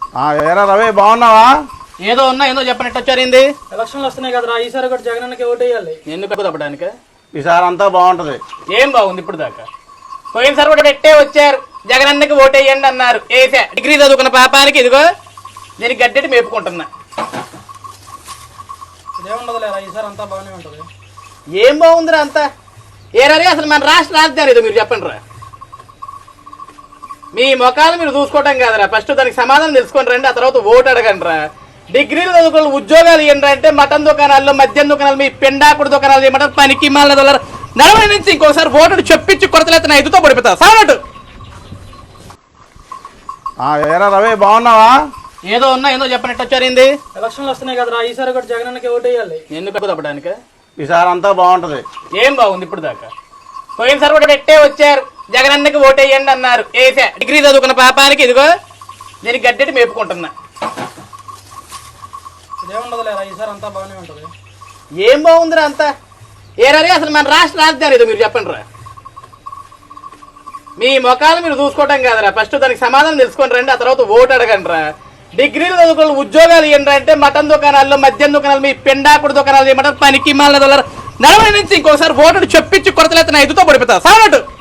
ఏరా రవి బాగున్నావా? ఏదో ఉన్నా ఏదో చెప్పనట్టు వచ్చారింది. ఎలక్షన్లు వస్తున్నాయి కదరా, ఈసారి కూడా జగనన్నకి ఓటేయాలి. ఎందుకు తప్పడానికి? ఈసారి అంతా బాగుంటది. ఏం బాగుంది ఇప్పుడు దాకా? పోయినసారి కూడా పెట్టే వచ్చారు, జగనన్నకి ఓటేయండి అన్నారు, ఏసా. డిగ్రీ చదువుకున్న పాపానికి ఇదిగో దీనికి గడ్డెట్టి మేపుకుంటున్నా. ఇదేముండదు లేరా, ఈసారి అంతా బాగానే ఉంటది. ఏం బాగుందిరా అంతా? ఏరారి అసలు మన రాష్ట్ర రాజధాని ఏదో మీరు చెప్పండి రా. మీ ముఖాలు మీరు చూసుకోవటం కాదురా, ఫస్ట్ దానికి సమాధానం తెలుసుకొని రండి, ఆ తర్వాత ఓటు అడగండి రా. డిగ్రీలు చదువుకున్న ఉద్యోగాలు ఏంటంటే మటన్ దుకాణాల్లో, మద్యం దుకాణాలు, మీ పెండాకుడు దుకాణాలు ఏమంటారు, పనికి మాల దొల్లరు. 40 నుంచి ఇంకోసారి ఓటు చెప్పించి కొరతలెత్తిన 5తో పడిపోతా సావనట్టు. ఏరా రవి బాగున్నావా? ఏదో ఉన్నా ఏదో చెప్పనట్టు వచ్చారింది. ఎలక్షన్లు వస్తున్నాయి కదరా, ఈసారి కూడా జగనన్నకి ఓటేయాలి. ఎందుకు తప్పడానికి? ఈసారి అంతా బాగుంటది. ఏం బాగుంది ఇప్పుడు దాకా? పోయినసారి కూడా పెట్టే వచ్చారు, జగనన్నకి ఓటేయండి అన్నారు, ఏసా. డిగ్రీ చదువుకున్న పాపానికి ఇదిగో దీనికి గడ్డెట్టి మేపుకుంటున్నా. ఇదేముండదు లేరా, ఈసారి అంతా బాగానే ఉంటది. ఏం బాగుందిరా అంతా? ఏరారి అసలు మన రాష్ట్ర రాజధాని ఏదో మీరు చెప్పండి రా. మీ ముఖాలు మీరు చూసుకోవటం కాదురా, ఫస్ట్ దానికి సమాధానం తెలుసుకొని రండి, ఆ తర్వాత ఓటు అడగండి రా. డిగ్రీలు చదువుకున్న ఉద్యోగాలు ఏంటంటే మటన్ దుకాణాల్లో, మద్యం దుకాణాలు, మీ పెండాకుడు దుకాణాలు ఏమంటారు, పనికి మాల దొల్లరు. 40 నుంచి ఇంకోసారి ఓటు చెప్పించి కొరతలెత్తిన 5తో పడిపోతా సావనట్టు.